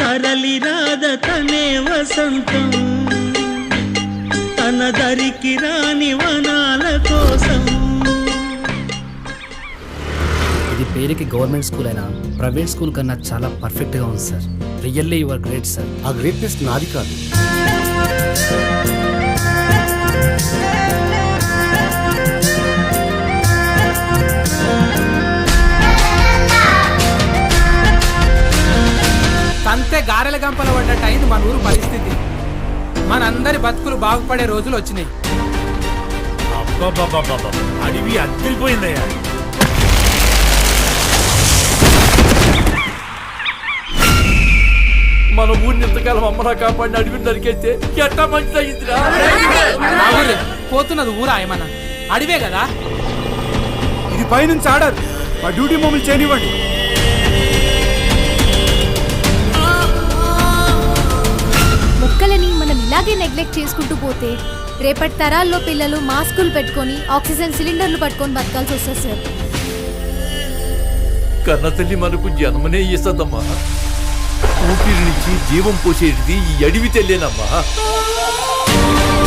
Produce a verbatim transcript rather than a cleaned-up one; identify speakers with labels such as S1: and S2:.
S1: తరలి రాద తనే వసంతం తన దరికి రాని వనాల కోసం.
S2: ఇది పేరుకి గవర్నమెంట్ స్కూల్ అయినా ప్రైవేట్ స్కూల్ కన్నా చాలా పర్ఫెక్ట్గా ఉంది sir. Really your great sir.
S3: ఆ గ్రేట్నెస్ నాది కాదు.
S4: సంతే గారెల గంపల పడ్డట్టు అయింది మన ఊరు పరిస్థితి. మనందరి బతుకులు బాగుపడే రోజులు వచ్చినాయి.
S5: అడివి అద్దరిపోయిందయ్యా. మన ఊరిని ఎంతకాలం అమ్మరా కాపాడిన అడవిని నరికేస్తే ఎట్టా మంచిది అయిందిరా.
S4: పోతున్నది ఊరా ఏమన్నా అడివే కదా.
S5: ఇది పైనుంచి ఆర్డర్. మా డ్యూటీ మమ్మల్ని చేయనివ్వండి.
S6: మొక్కలని మనం ఇలాగే నెగ్లెక్ట్ చేసుకుంటూ పోతే రేపటి తరాల్లో పిల్లలు మాస్కులు పెట్టుకొని ఆక్సిజన్ సిలిండర్లు పట్టుకొని బతకాల్సి వస్తుంది సార్.
S5: కన్న తల్లి మనకు జన్మనే ఇస్తుందమ్మా. ఊపిరి నుంచి జీవం పోసేది ఈ అడవి తెల్లేనమ్మా.